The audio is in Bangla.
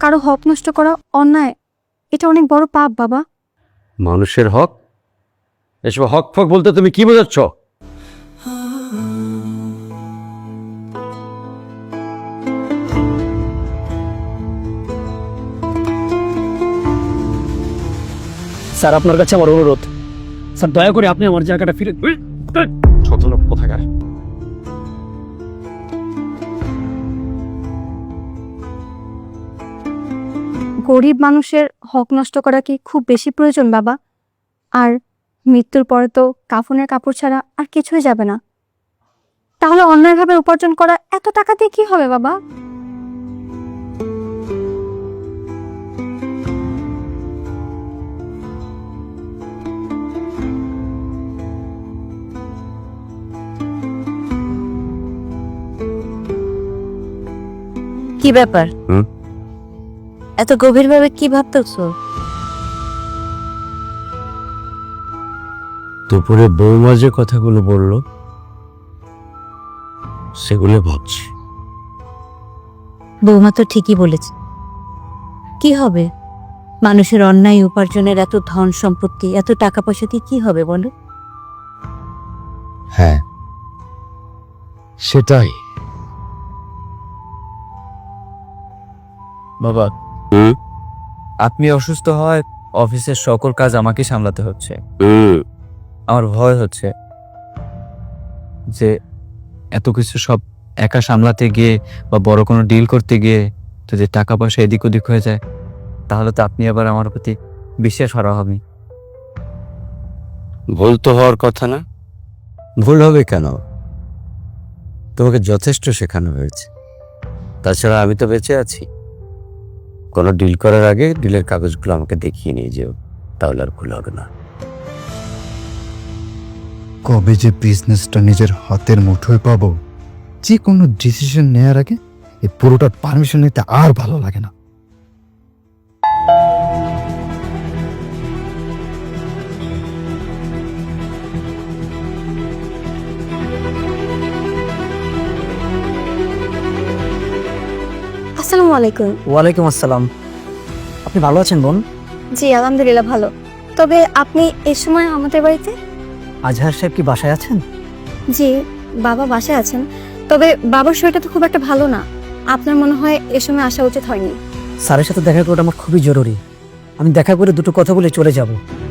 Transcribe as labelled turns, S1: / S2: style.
S1: কারো হক নষ্ট করা অন্যায়, এটা অনেক বড় পাপ বাবা।
S2: মানুষের হক? এসব হক ফক বলতে তুমি কি বোঝাচ্ছ?
S3: স্যার, আপনার কাছে আমার অনুরোধ, স্যার দয়া করে আপনি আমার জায়গাটা ফিরে
S2: ছোট লোক কোথাকার।
S1: গরিব মানুষের হক নষ্ট করা কি খুব বেশি প্রয়োজন বাবা? আর মৃত্যুর পরে তো কাফনের কাপড় ছাড়া আর কিছুই যাবে না। তাহলে অন্যায়ভাবে উপার্জন করা এত টাকা দিয়ে কি হবে বাবা?
S4: কি ব্যাপার? এত গভীরভাবে কি ভাবতেছো?
S2: দুপুরে বৌমা যে কথাগুলো বললো সেগুলো ভাবছি।
S4: বৌমা তো ঠিকই বলেছে। কি হবে? মানুষের অন্যায় উপার্জনের এত ধন সম্পত্তি, এত টাকা পয়সা দিয়ে কি হবে বলো?
S2: হ্যাঁ, সেটাই।
S5: বাবা, আপনি অসুস্থ হয় অফিসের সকল কাজ আমাকে সামলাতে হচ্ছে। আমার ভয় হচ্ছে যে এত কিছু সব একা সামলাতে গিয়ে বা বড় কোনো ডিল করতে গিয়ে যদি টাকা পয়সা এদিক ওদিক হয়ে যায়, তাহলে তো আপনি আবার আমার প্রতি বিশ্বাস হারা হবেন।
S2: ভুল তো হওয়ার কথা না। ভুল হবে কেন? তোমাকে যথেষ্ট শেখানো হয়েছে। তাছাড়া আমি তো বেঁচে আছি। কোনো ডিল করার আগে ডিলের কাগজগুলো আমাকে দেখিয়ে নিয়ে যেও, তাহলে আর ভুল হবে না।
S6: কবে যে বিজনেসটা নিজের হাতের মুঠোয় পাবো, যে কোনো ডিসিশন নেওয়ার আগে এই পুরোটার পারমিশন নিতে আর ভালো লাগে না।
S1: আসসালামু আলাইকুম।
S3: ওয়ালাইকুম আসসালাম। আপনি ভালো আছেন বোন?
S1: জি আলহামদুলিল্লাহ ভালো। তবে আপনি এই সময় আমাদের বাড়িতে?
S3: আজহার সাহেব কি বাসায় আছেন?
S1: জি, বাবা বাসায় আছেন। তবে বাবার শরীরটা তো খুব একটা ভালো না। আপনার মনে হয় এ সময় আসা উচিত হয়নি।
S3: স্যারের সাথে দেখা করাটা আমার খুবই জরুরি। আমি দেখা করে দুটো কথা বলে চলে যাব।